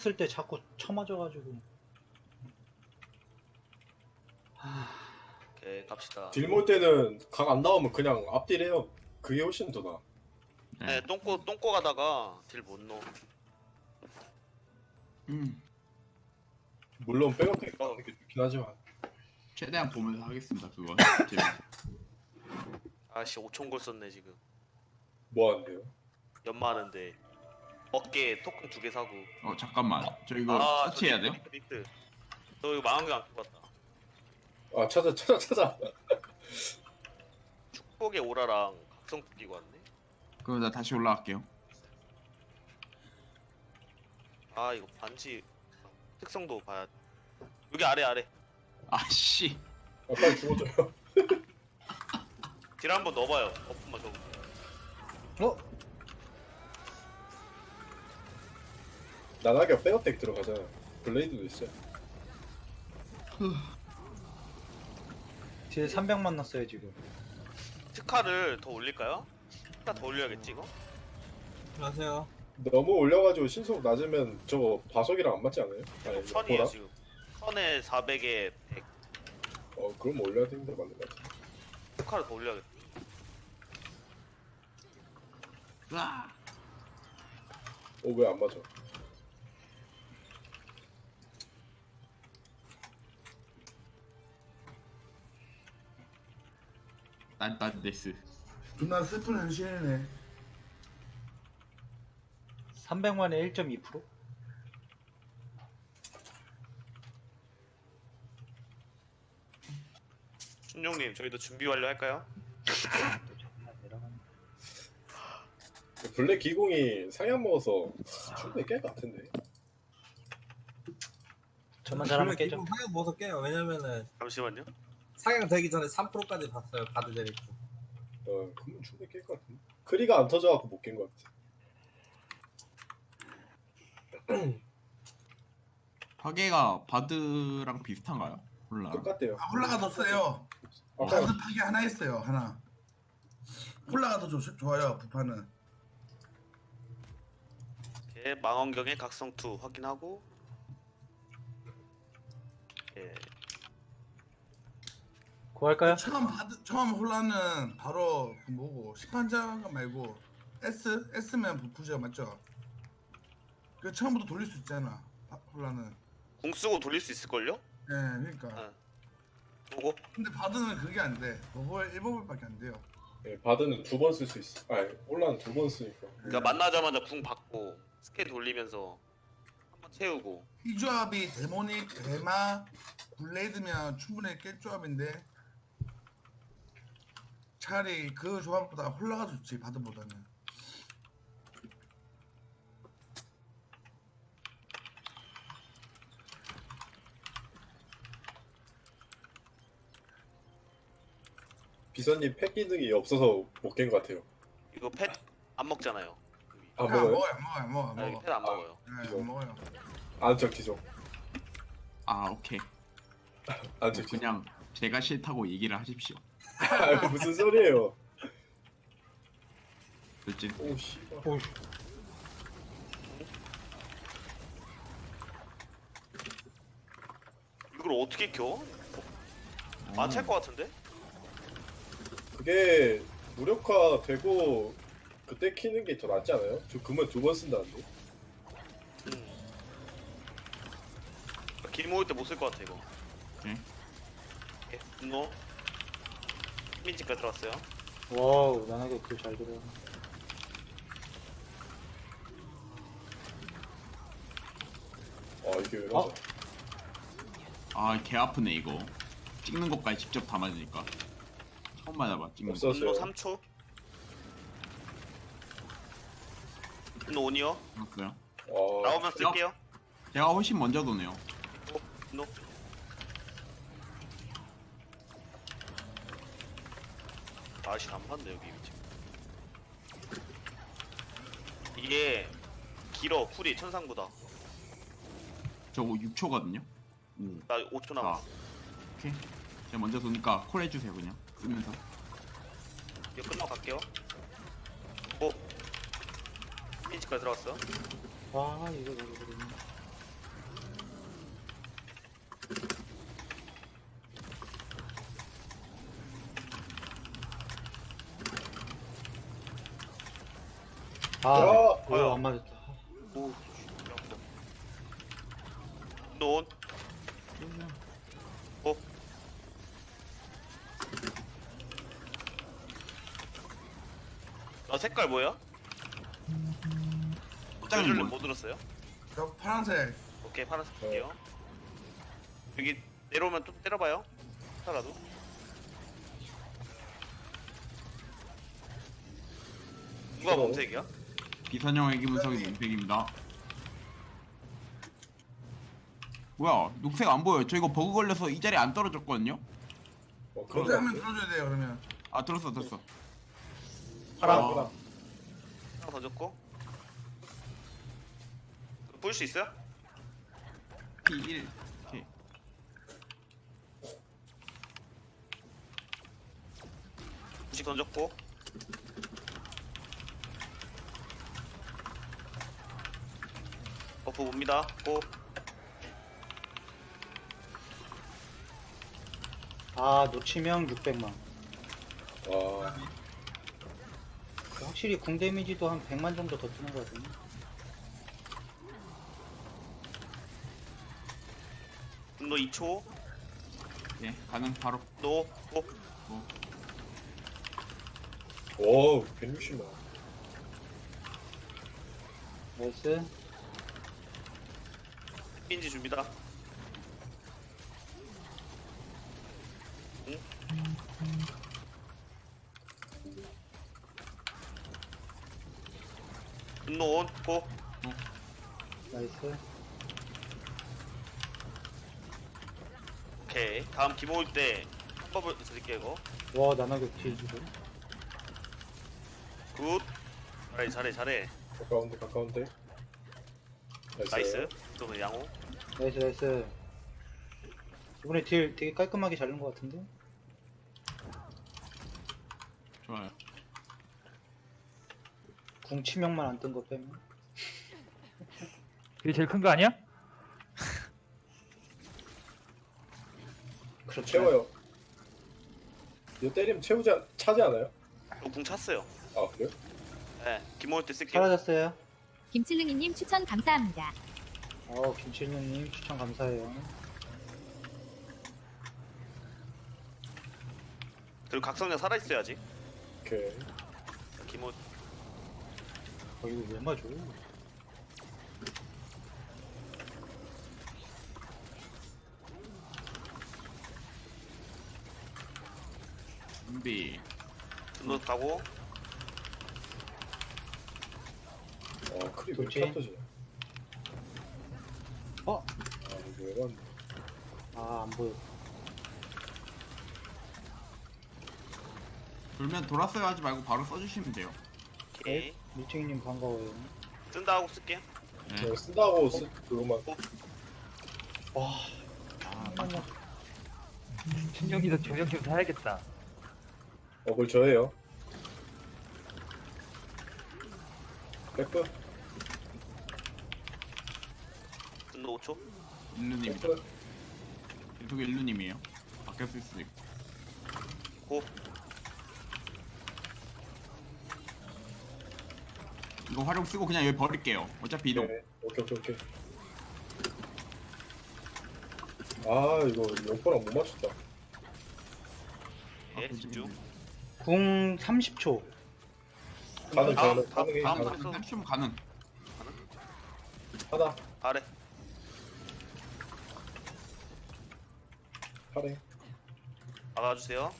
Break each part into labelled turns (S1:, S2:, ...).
S1: 쓸 때 자꾸 쳐맞아가지고.
S2: 오케이 갑시다.
S3: 딜몰 때는 각 안 나오면 그냥 앞딜해요. 그게 훨씬 더 나아.
S2: 네, 똥꼬 가다가 딜 못 넣어.
S3: 물론 백업팩 나오는 게 좋긴 하지만.
S4: 최대한 보면서 하겠습니다. 그거.
S2: 아씨 5천 골 썼네 지금.
S3: 뭐 하는데요?
S2: 연마하는데 어깨 토큰 2개 사고.
S4: 잠깐만. 저 이거 서치해야 돼요?
S2: 빅트. 너 이거 망원경 안 껴봤다.
S3: 아 찾아.
S2: 축복의 오라랑 각성품 끼고 왔네.
S4: 그럼 나 다시 올라갈게요.
S2: 아 이거 반지 특성도 봐야 돼. 여기 아래.
S4: 아씨.
S3: 아, 빨리 죽어줘요.
S2: 딜 한번 넣어봐요. 버프만 좀.
S1: 어?
S3: 나나게 백업팩 들어가잖아. 블레이드도 있어요.
S1: 뒤에 300만 났어요 지금.
S2: 특화를 더 올릴까요? 특화 더 올려야겠지 이거?
S5: 안녕하세요.
S3: 너무 올려가지고 신속 낮으면 저거 바속이랑 안 맞지 않아요? 아니,
S2: 천이에요
S3: 보라?
S2: 지금. 1000에 400에 100.
S3: 그럼 올려야 되는데 맞는 것 같아.
S2: 특화를 더 올려야겠다.
S4: 으아.
S3: 왜 안 맞아?
S4: 난 데스.
S5: 존나 슬픈 현실이네.
S1: 300만에 1.2%?
S2: 춘용님 저희도 준비 완료할까요?
S3: 블랙 기공이 상향 먹어서 충분히 깰 것 같은데.
S1: 저만 잘하면 깨죠.
S5: 상향 먹어서 깨요. 왜냐면은
S2: 잠시만요.
S5: 상향 되기 전에 3%까지 봤어요. 바드 데리고.
S3: 그러면 충분히 깰 것 같은데. 크리가 안 터져갖고 못 깬 것 같아.
S4: 파괴가 바드랑 비슷한가요? 몰라.
S3: 똑같대요.
S6: 홀라가 더 세요.
S3: 아까
S6: 바드 파괴 하나 있어요. 하나. 홀라가 더 좋아요. 부파는.
S2: 오케이, 망원경의 각성2 확인하고. 예.
S1: 구할까요?
S6: 처음 홀라는 바로 그 뭐고 심판자가 말고 S면 부푸죠, 맞죠? 그 처음부터 돌릴 수 있잖아. 홀라는.
S2: 궁 쓰고 돌릴 수 있을걸요?
S6: 예, 그러니까.
S2: 아. 보고.
S6: 근데 바드는 그게 안 돼. 버블 1버블밖에 안 돼요.
S3: 바드는 2번 쓸 수 있어. 올라는 2번 쓰니까.
S2: 그러니까 만나자마자 궁 받고 스킬 돌리면서 한번 채우고.
S6: 이 조합이 데모닉, 데마, 블레이드면 충분히 깰 조합인데 차라리 그 조합보다 홀라가 좋지, 바드보다는.
S3: 비서님 팩 기능이 없어서 못 깬 것 같아요.
S2: 이거 펫 안 먹잖아요.
S3: 안
S6: 안
S3: 먹어요?
S6: 먹어요, 안 먹어요, 안 먹어, 안
S2: 아,
S6: 먹어.
S2: 펫 안 먹어요.
S6: 네, 안 먹어요.
S3: 안적 기종.
S4: 오케이.
S3: 안적 기종.
S4: 그냥 제가 싫다고 얘기를 하십시오.
S3: 무슨 소리예요?
S4: 돌진.
S3: 오 씨발.
S1: 오우.
S2: 이걸 어떻게 켜? 안 찰 것 같은데?
S3: 그게 무력화되고 그때 키는 게 더 낫지 않아요? 저 그만 2번 쓴다는데.
S2: 길 모을 때 못 쓸 것 같아 이거.
S4: 응.
S2: 오케이, 분노. 민지까지 들어왔어요.
S1: 와우, 나나게 그잘 들어.
S3: 이게 왜 맞아?
S4: 개 아프네 이거. 찍는 것까지 직접 다 맞으니까. 처음 맞아봐 찍는 거.
S3: 없었어요.
S2: 분노 3초. 분노 온이요.
S4: 그렇고요.
S2: 나오면 쓸게요.
S4: 제가 훨씬 먼저 도네요.
S2: 분노. 아씨 안 봤네 여기 위치. 이게 길어 쿨이 천상보다.
S4: 저거 6초거든요.
S2: 나 5초 남았어.
S4: 오케이. 제가 먼저 도니까 콜 해주세요 그냥 쓰면서.
S2: 이거 끝나고 갈게요. 민지까지 들어왔어.
S1: 와, 이거 너무 그러네. 아,
S2: 뭐야?
S1: 안 맞았다.
S2: 오, 논. 어? 나 색깔 뭐야?
S4: 포장이
S2: 줄래
S4: 뭐?
S2: 못 들었어요?
S6: 저 파란색.
S2: 오케이 파란색 볼게요. 여기 내려오면 좀 때려봐요. 살아도. 누가 검색이야?
S4: 비선형 애기 분석이 논색입니다. 뭐야 녹색 안 보여요. 저 이거 버그 걸려서 이 자리에 안 떨어졌거든요.
S3: 그런
S6: 그렇게
S3: 거
S6: 하면
S3: 같아.
S6: 들어줘야 돼요 그러면.
S4: 아 들었어.
S1: 파랑.
S3: 파랑.
S2: 하나 던졌고. 보일 수 있어요?
S4: P1 오케이.
S2: 부식 던졌고. 버프 봅니다. 고.
S1: 아, 놓치면 600만.
S3: 와.
S1: 확실히 궁 데미지도 한 100만 정도 더 뜨는 거 같은데.
S2: 분노 2초.
S4: 예 가능 바로.
S2: 노. 고.
S3: 오, 160만.
S1: 나이스.
S2: 인지 줍니다. 응? 분노 온. 고.
S1: 나이스.
S2: 오케이. 다음 기모 올 때 한법을 드릴게요 이거.
S1: 와, 나나격 딜주고.
S2: 굿. 잘해.
S3: 가까운데.
S2: 나이스. 그러면 양호.
S1: 나이스. 이번에 딜 되게 깔끔하게 자른 것 같은데?
S4: 좋아요.
S1: 궁 치명만 안 뜬 거 빼면.
S7: 그게 제일 큰 거 아니야?
S3: 저 채워요. 이거 때리면 차지 않아요?
S2: 궁 찼어요.
S3: 아, 그래요?
S2: 네. 기모 올 때 쓸게요.
S1: 사라졌어요.
S8: 김칠릉이님 추천 감사합니다.
S1: 김칠년님 추천 감사해요.
S2: 그리고 각성량 살아있어야지.
S3: 오케이.
S2: 기모.
S1: 이거 왜 맞아?
S4: 준비.
S2: 분노 가고.
S3: 크리 왜
S1: 그렇지.
S3: 이렇게 안 터지냐?
S1: 어?
S3: 아, 이거 왜 갔네.
S1: 아, 안 보여.
S4: 돌면 돌았어요 하지 말고 바로 써주시면 돼요.
S2: 오케이.
S1: 밀증이님 반가워요.
S2: 쓴다 하고 쓸게요.
S4: 네.
S3: 이거 쓴다고 그것만.
S1: 와,
S4: 아
S7: 신경기도 조명 좀 사야겠다.
S3: 그걸 저예요. 백프?
S2: 분노 5초.
S4: 일루님이다.
S3: 백프?
S4: 계속 일루님이에요. 바뀌었을 수도 있고.
S2: 고.
S4: 이거 활용 쓰고 그냥 여기 버릴게요. 어차피 이동.
S3: 네. 오케이. 아, 이거 영포랑 못 맞췄다.
S2: 예, 집중.
S1: 궁 30초.
S3: 가능,
S2: 다음
S3: 가능해.
S2: 다음
S3: 가능.
S2: 턴
S4: 좀 가능.
S3: 하나,
S2: 아래.
S3: 파래.
S2: 막아주세요.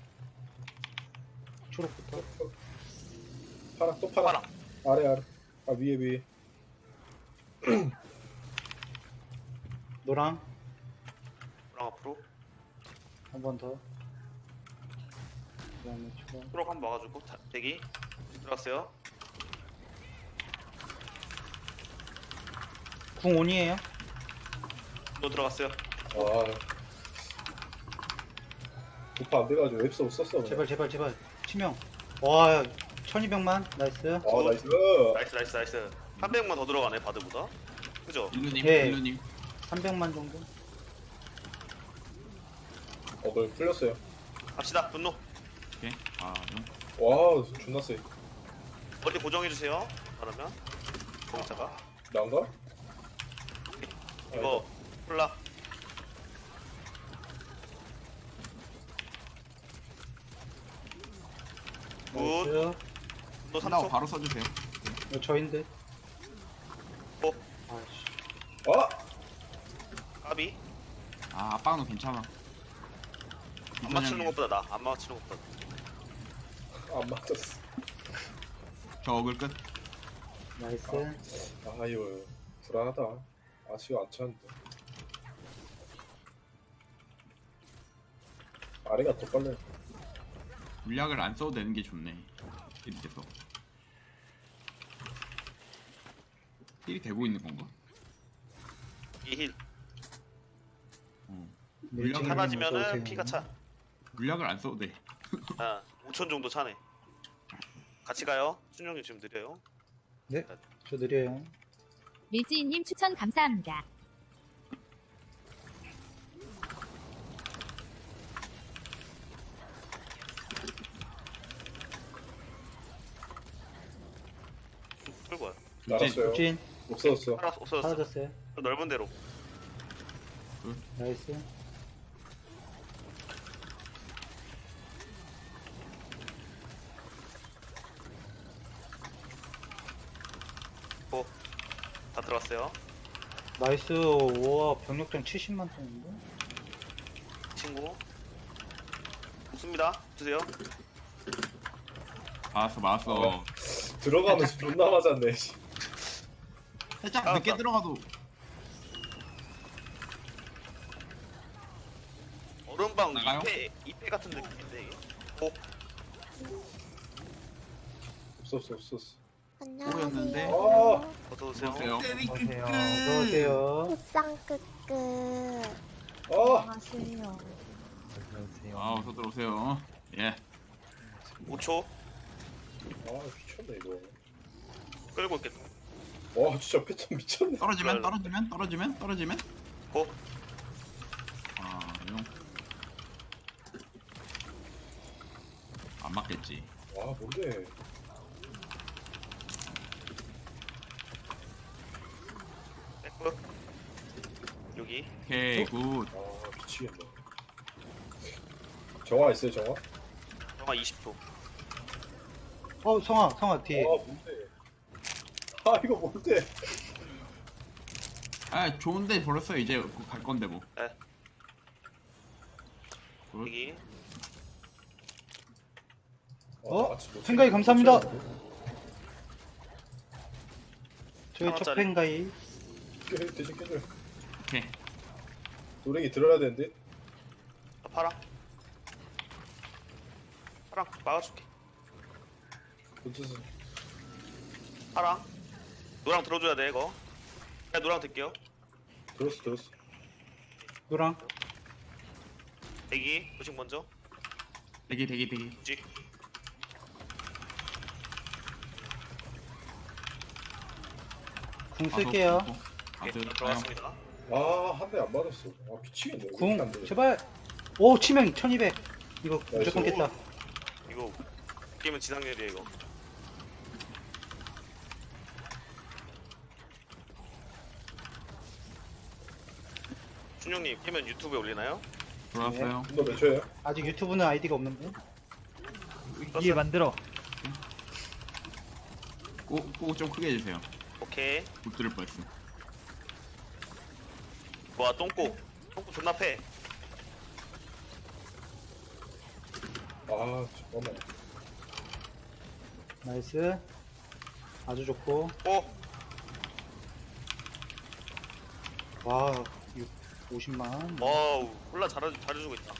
S1: 초록부터.
S3: 파라, 또 파라.
S2: 파라.
S3: 아래. 아, 위에.
S1: 노랑
S2: 노랑 앞으로.
S1: 한 번 더. 그다음에 초록.
S2: 초록 한번 막아주고 대기. 들어갔어요.
S1: 궁 온이에요.
S2: 또 들어갔어요.
S3: 아. 도파 안 돼가지고 웹서 썼어. 그냥.
S1: 제발. 치명. 와, 1200만. 나이스.
S3: 아, 나이스.
S2: 나이스. 300만 더 들어가네 바드보다. 그죠?
S4: 일루님.
S1: 예.
S4: 일루님.
S1: 300만 정도.
S3: 그걸 풀렸어요.
S2: 갑시다. 분노.
S4: 오케이. 아
S3: 와, 존나 세.
S2: 머리 고정해주세요. 그러면 공짜가
S3: 난가?
S2: 이거 콜라 굿.
S1: 나이스.
S2: 또
S4: 끝나고
S2: 3초.
S4: 바로 써주세요.
S1: 이거 저인데.
S2: 어?
S1: 아이씨.
S3: 아!
S2: 까비.
S4: 아 압박은 괜찮아.
S2: 안 맞추는 것보다 나. 안 맞추는 것보다.
S3: 안 맞았어.
S4: 저 어글 끝.
S1: 나이스.
S3: 아 이거 불안하다. 아직 안 찼는데. 아래가 더 빨라.
S4: 물약을 안 써도 되는 게 좋네. 이렇게서 힐이 되고 있는 건가?
S2: 이 힐.
S1: 밀증이
S2: 사라지면은
S1: 무서우세요.
S2: 피가 차.
S4: 물약을 안 써도 돼.
S2: 아, 5천 정도 차네. 같이 가요. 순영이 지금 느려요.
S1: 네, 저 느려요.
S8: 밀지인님 추천 감사합니다.
S2: 끌고 와요.
S3: 날았어요.
S1: 진
S3: 없어졌어.
S2: 없어졌어.
S1: 사라졌어요.
S2: 넓은 데로.
S1: 나이스.
S2: 다 들어왔어요.
S1: 나이스. 우와, 병력장 70만 톤인데?
S2: 친구. 없습니다. 주세요.
S4: 맞았어.
S3: 들어가면서 존나 맞았네. 씨.
S4: 살짝
S2: 알았다.
S4: 늦게 들어가도
S2: 얼음방
S4: 나가요?
S2: 2패 같은 느낌인데 이게. 오,
S3: 없었어.
S4: 꼬였는데.
S3: 아!
S2: 어서 오세요.
S4: 보세요.
S6: 때리
S7: 어서오세요.
S1: 어서오세요.
S9: 굿상 끄끄.
S3: 아!
S9: 안녕하세요.
S7: 안녕하세요.
S4: 아 어서 들어오세요. 예.
S2: 5초
S3: 아 미쳤네 이거.
S2: 끌고 있겠다.
S3: 와 진짜 패턴 미쳤네.
S4: 떨어지면.
S2: 고.
S4: 아 용. 안 맞겠지.
S3: 와 뭔데?
S2: 백브. 여기.
S4: 오케이 굿.
S3: 아 미치겠네. 정화 있어요 정화?
S2: 영화 20초.
S1: 성아 뒤에.
S3: 아 뭔데? 아 이거 뭔데?
S4: 아 좋은데 벌었어 이제 갈 건데 뭐.
S2: 네.
S4: 굿.
S2: 여기.
S1: 어?
S3: 아, 진짜 못
S1: 생각이 감사합니다.
S3: 찾았는데?
S1: 저희 첫
S2: 하나짜리.
S1: 팬가이.
S3: 대신 깨줘요.
S4: 오케이.
S3: 노랭이 들어야 되는데?
S2: 파랑. 파랑 막아줄게.
S3: 붙여서.
S2: 파랑. 노랑 들어줘야 돼 이거. 그냥 노랑 들게요.
S3: 들었어.
S1: 노랑.
S2: 대기. 부식 먼저.
S4: 대기.
S2: 부식.
S1: 궁 쓸게요.
S2: 오케이. 들어갔습니다.
S3: 아 한 대 안 맞았어. 아 미치겠네. 왜 이렇게 안
S1: 궁
S3: 돼?
S1: 제발. 오 치명 1200. 이거 무조건
S3: 나이스.
S1: 깼다.
S2: 이거 게임은 지상렬이야 이거. 준영님 게임은 유튜브에 올리나요?
S4: 들어왔어요.
S3: 너몇 초예요?
S1: 아직 유튜브는 아이디가 없는데.
S7: 위에 만들어.
S4: 꼭 좀 크게 해주세요.
S2: 오케이.
S4: 못 들을 뻔했어.
S2: 와 똥꼬 존나 패.
S3: 아 잠깐만.
S1: 나이스. 아주 좋고.
S2: 오.
S1: 와 50만.
S2: 와우 콜라 잘해주고 있다.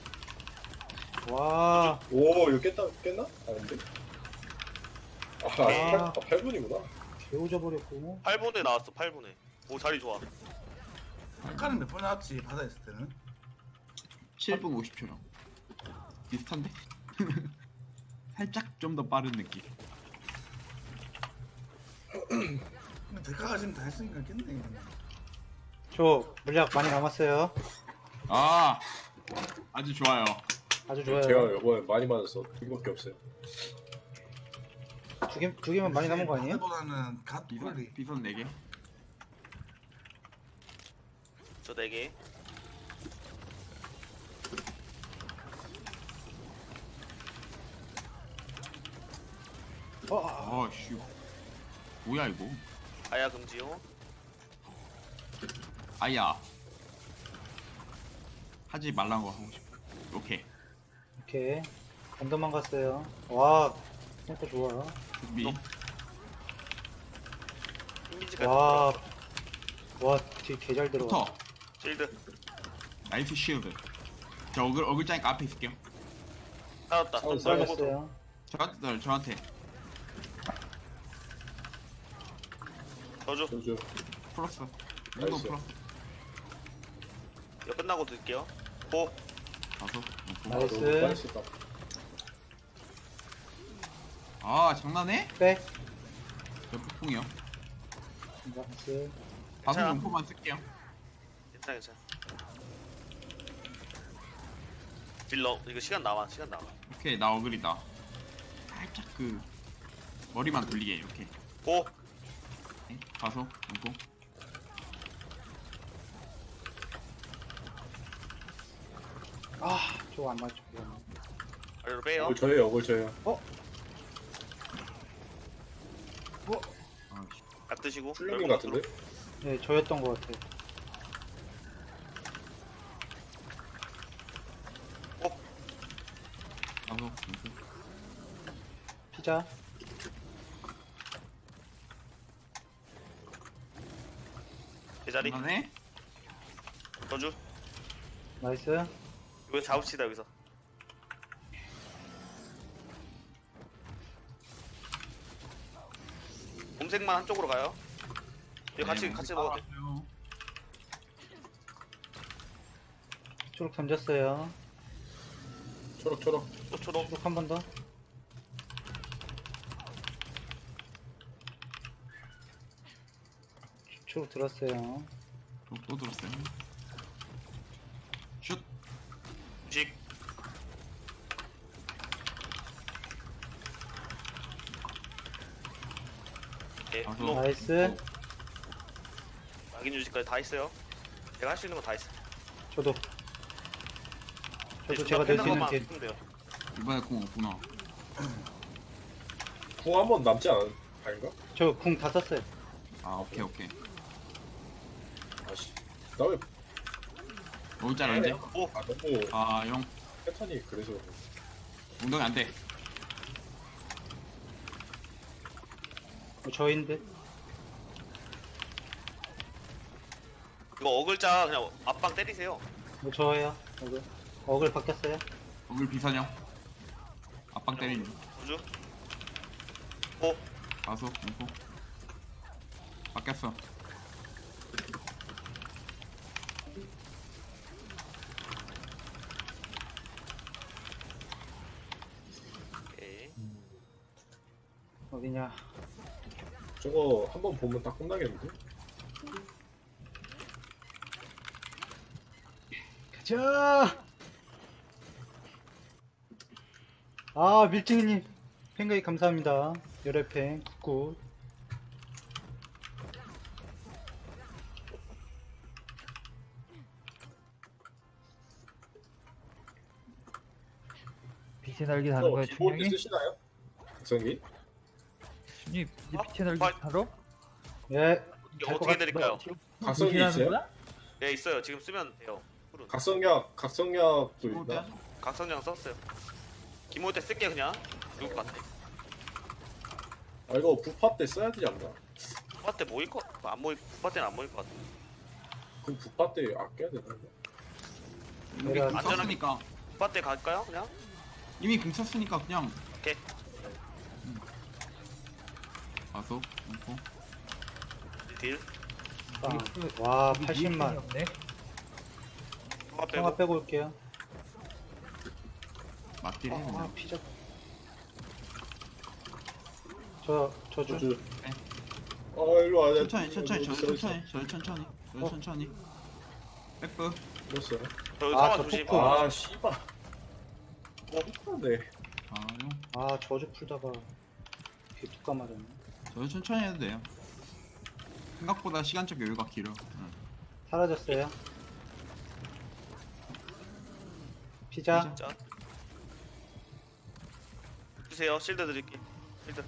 S1: 와.
S3: 오 이거 깼나? 아닌데? 아
S2: 오케이.
S3: 8분이구나.
S1: 개오져 버렸고.
S2: 8분에 나왔어 8분에. 오 자리 좋아.
S6: 아까는 몇 번 나왔지 바다 있을 때는.
S4: 7분 50초랑 비슷한데? 살짝 좀 더 빠른 느낌.
S6: 근데 대가가 지금 다 했으니까 깼네.
S1: 저 물약 많이 남았어요.
S4: 아 아주 좋아요.
S1: 아주 좋아요.
S3: 제가 이번에 많이 맞았어. 이거밖에 없어요.
S1: 두 개면 많이 남은 거 아니에요?
S6: 보다는 갓폴리.
S4: 비선 4개.
S2: 저 4개.
S4: 아씨. 뭐야 이거?
S2: 아야 금지요.
S4: 아야. 하지 말란 거 하고 싶어. 오케이.
S1: 오케이. 반도만 갔어요. 와, 탱커 좋아.
S4: 준비.
S2: 흰기지까지.
S1: 와, 와, 뒤 개 잘 들어가.
S4: 붙어.
S2: 실드.
S4: 나이스 쉴드. 저 어글자니까 앞에 있을게요.
S2: 살았다.
S3: 어,
S1: 썰렸어요.
S4: 저한테
S2: 저주.
S3: 저주.
S4: 풀었어. 이거
S3: 나이스.
S4: 풀었어.
S2: 이거 끝나고 드릴게요. 고.
S4: 가서.
S1: 나이스.
S3: 너무 빨리 썼다.
S4: 아 장난해?
S1: 빼.
S4: 저 폭풍이요.
S1: 나이스.
S4: 다섯
S2: 자.
S4: 용포만 쓸게요.
S2: 괜찮아 괜찮아. 딜러 이거 시간 남아.
S4: 오케이 나 어글이다. 살짝 그 머리만 돌리게 이렇게.
S2: 고.
S4: 네, 가서 용포.
S1: 아, 저거 안 맞죠.
S2: 아래로 빼요.
S3: 어글 저예요. 어글 저예요.
S4: 아씨.
S2: 약 드시고.
S3: 풀리는 것 같은데?
S1: 네, 저였던 것 같아요.
S4: 가서 용포.
S1: 피자.
S2: 제자리.
S4: 장난해?
S2: 저주.
S1: 나이스.
S2: 이거 잡읍시다 여기서. 곰색만 한쪽으로 가요. 이거 같이
S4: 네,
S2: 먹어도 돼.
S4: 따라왔어요.
S1: 초록 던졌어요.
S3: 초록.
S2: 초록.
S1: 초록 한 번 더. 초록 들었어요.
S4: 또 들었어요. 슛.
S2: 주식. 네,
S4: 가서.
S2: 블록.
S1: 나이스.
S2: 낙인 유지까지 다 있어요. 제가 할 수 있는 거 다 있어.
S1: 저도.
S2: 네,
S1: 저도 제가 낼 수 있는
S2: 것만
S1: 게.
S2: 쓰면 돼요.
S4: 이번에 공 없구나.
S3: 궁 한 번 남지 아닌가?
S1: 저 궁 다 썼어요.
S4: 아 오케이.
S3: 아씨. 나 왜?
S4: 어글자 언제?
S2: 오,
S3: 아 너무
S4: 아 형.
S3: 패턴이 그래서.
S4: 엉덩이 안 돼.
S1: 저인데.
S2: 이거 어글자 그냥 앞방 때리세요.
S1: 뭐 저예요. 어글 바뀌었어요.
S4: 어글 비선형. 앞방 때리는.
S2: 우주. 오,
S4: 가서 용포. 바뀌었어.
S2: 오케이.
S1: 어디냐.
S3: 저거 한 번 보면 딱 끝나겠는데?
S1: 가자. 아, 밀증이님 팬가입 감사합니다. 열애팬 굿굿.
S7: 빛의 날개 다는 거야
S3: 기본
S7: 충격이?
S3: 쓰시나요? 각성기?
S7: 충님 이 빛의 날개
S2: 빨리.
S7: 바로?
S1: 예.
S2: 이게 어떻게 드릴까요?
S3: 각성기 있어요?
S2: 네 있어요. 지금 쓰면 돼요. 푸른.
S3: 각성약도
S4: 또
S3: 있나?
S4: 떼야죠.
S2: 각성장 썼어요. 기모 때 쓸게 그냥. 죽을 것 같아.
S3: 아 이거 부파 때 써야 되지 않나?
S2: 부파 때 모일 거, 안 모일, 부파 때는 안 모일 것 같아.
S3: 그럼 부파 때 아껴야 되나?
S4: 이미
S1: 내가
S4: 공
S2: 안전하게-
S4: 썼으니까.
S2: 부파 때 갈까요? 그냥?
S4: 이미 공 썼으니까 그냥.
S2: 오케이.
S4: 가서 용포.
S2: 딜.
S1: 빵. 와, 80만.
S7: 없네.
S2: 부파 빼고.
S1: 통화 빼고 올게요.
S4: 맞딜 해
S1: 아,
S4: 그냥.
S1: 피자. 저주.
S3: 저주.
S4: 네.
S3: 일로 와.
S4: 천천히. 천천히. 백프.
S3: 됐어요.
S2: 저
S1: 아,
S2: 상황
S1: 저
S2: 조심.
S1: 폭포.
S3: 아 씨발. 네.
S4: 아 형.
S1: 아, 저주 풀다가 개뚜까 맞았네.
S4: 저도 천천히 해도 돼요. 생각보다 시간적 여유가 길어. 응.
S1: 사라졌어요. 피자.
S2: 자. 주세요. 실드 드릴게. 실드.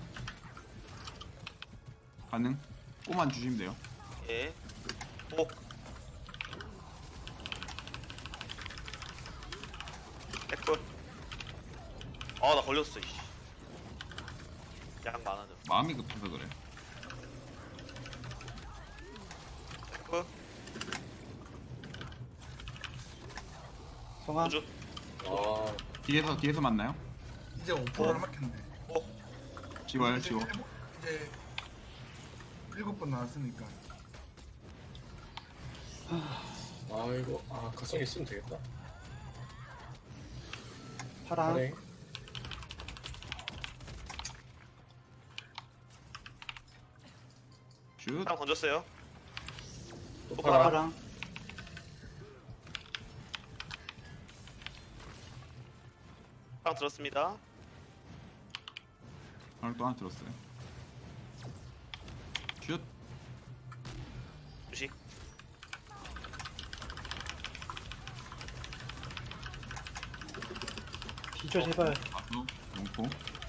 S4: 가능? 꼬만 주시면 돼요.
S2: 예. 오. 백골. 아, 나 걸렸어. 이씨. 양 많아져.
S4: 마음이 급해서 그래.
S2: 백골.
S1: 성아.
S2: 우주.
S3: 아
S4: 뒤에서 만나요?
S6: 이제 5% 남았겠네.
S4: 지워요, 지워.
S6: 이제 7번 나왔으니까.
S3: 이거 가성 있으면 되겠다.
S1: 파랑.
S3: 그래.
S4: 슛.
S2: 딱 던졌어요.
S3: 또
S2: 파라.
S3: 파라.
S1: 파랑.
S2: 딱 들었습니다.
S4: 오늘 또 하나 들었어요. 슛.
S2: 주식.
S1: 피자 제발.
S4: 가수. 용포.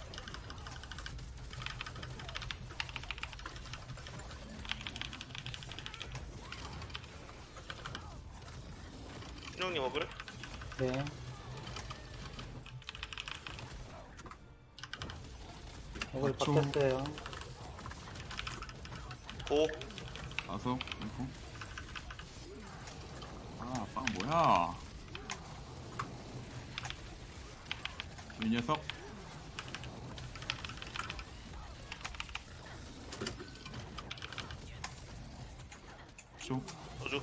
S2: 신용님 먹을.
S1: 네. 이걸
S4: 맞죠.
S1: 바뀌었어요.
S2: 오.
S4: 가수. 용포. 빵 뭐야? 이 녀석. 쇼.
S2: 소주.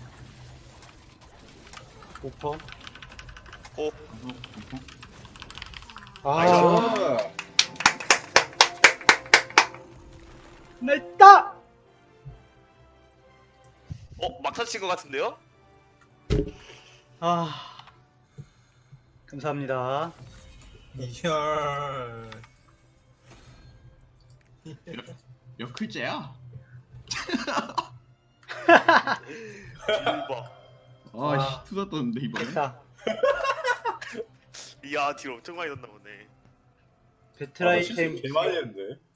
S1: 오퍼.
S2: 오.
S4: 가수. 용포.
S1: 아.
S3: 아
S1: 냈다.
S2: 막타 친것 같은데요?
S1: 아. 감사합니다.
S5: 이열.
S4: 몇 글자야?
S2: 대박.
S4: 아씨 투자 떴는데 이번에.
S1: 됐다.
S2: 이야, 딜 엄청 많이 넣나 보네.
S1: 배틀 아이템
S3: 개 많이 했는데.